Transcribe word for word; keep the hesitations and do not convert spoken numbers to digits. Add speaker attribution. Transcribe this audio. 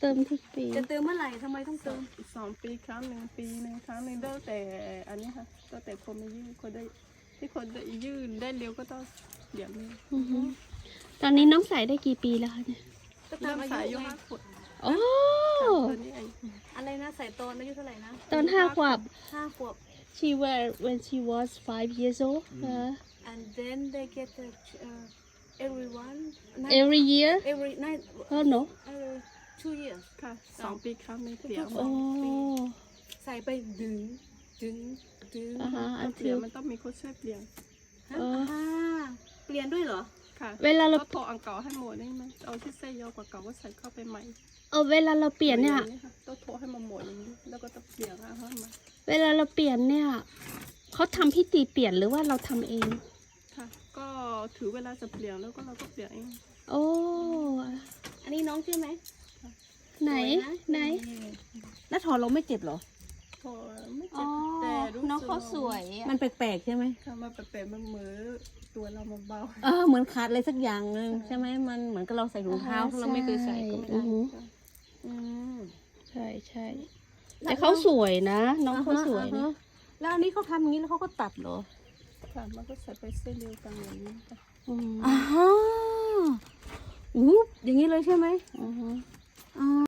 Speaker 1: ติมทุกปี
Speaker 2: จะเติมเมื่อไหร่ทำไมต้องเติม
Speaker 3: สองปีครั้งหนึ่งปีหนึ่งครั้งหนึ่งแล้วแต่อันนี้ค่ะแล้วแต่คนมายื่นคนได้ที่คนได้ยื่นได้เร็วก็ต้องเดี๋ยวนี้
Speaker 1: ตอนนี้น้องใส่ได้กี่ปีแล้วคะเนี่ย
Speaker 2: ก็ตามอายุไง
Speaker 1: โอ้
Speaker 3: ตัวนี้เอง
Speaker 2: อะไรนะใส่ตอนอายุเท่าไหร่นะ
Speaker 1: ตอนห้าขวบ
Speaker 2: ห้าขวบ
Speaker 1: she were when she was five years old uh,
Speaker 2: and then they get the uh, everyone
Speaker 1: every year
Speaker 2: every night
Speaker 1: oh no
Speaker 2: every two years
Speaker 3: ค่ะสองปีครั้งหนึ่งเปลี่ยน
Speaker 1: โอ้
Speaker 2: ใส่ไปดึงดึงดึง
Speaker 1: อ่าฮะ
Speaker 3: เปลี่ยนมันต้องมีคนช่วยเปลี่ยน
Speaker 2: อ่าเปลี่ยนด้วยเหรอ
Speaker 3: ค่ะ
Speaker 1: เวลาเรา
Speaker 3: ก็พออังเก่าให้หมดได้ไหมเอาที่เส้นยาวกว่าเก่าก็ใส่เข้าไปใหม่
Speaker 1: เออเวลาเราเปลี่ยนเนี่ย
Speaker 3: ต้องโทรให้มาหมดอย่างนี้แล้วก็ต้องเปลี่ยนอ่ะให้มา
Speaker 1: เวลาเราเปลี่ยนเนี่ยเขาทำพิธีเปลี่ยนหรือว่าเราทำเอง
Speaker 3: ค่ะก็ถือเวลาจะเปลี่ยนแล้วก็เราก็เปลี่ยนเอง
Speaker 1: โอ้
Speaker 2: อันนี้น้องชื่อไหม
Speaker 1: ไหนไหน
Speaker 2: แล้วถอดเราไม่เจ็บเหรอ
Speaker 3: โทรไม่เจ็บแต่รู้
Speaker 2: น้องเขาสวยมันแปลกๆใช่ไหม
Speaker 3: ค่ะมันแปลกๆมันเหมือนตัวเรามันเบา
Speaker 2: เออเหมือนขาดอะไรสักอย่างหนึ่งใช่ไหมมันเหมือนกับเราใส่ถุงเท้าเราไม่เคยใส่ก็ไม่ได้อืม
Speaker 1: ใช่ใช่แต่เขาสวยนะน้องเขาสวยนะ
Speaker 2: แล้วอันนี้เขาทำอย่างนี้แล้วเขาก็ตัดเหรอ
Speaker 3: ค่ะมันก็ใส่ไปเส้นเดียวกันอย่างนี้ค่ะ
Speaker 1: อืม
Speaker 2: อ่าฮะอู้อย่างนี้เลยใช่ไหม
Speaker 1: อือฮึ
Speaker 2: อ๋อ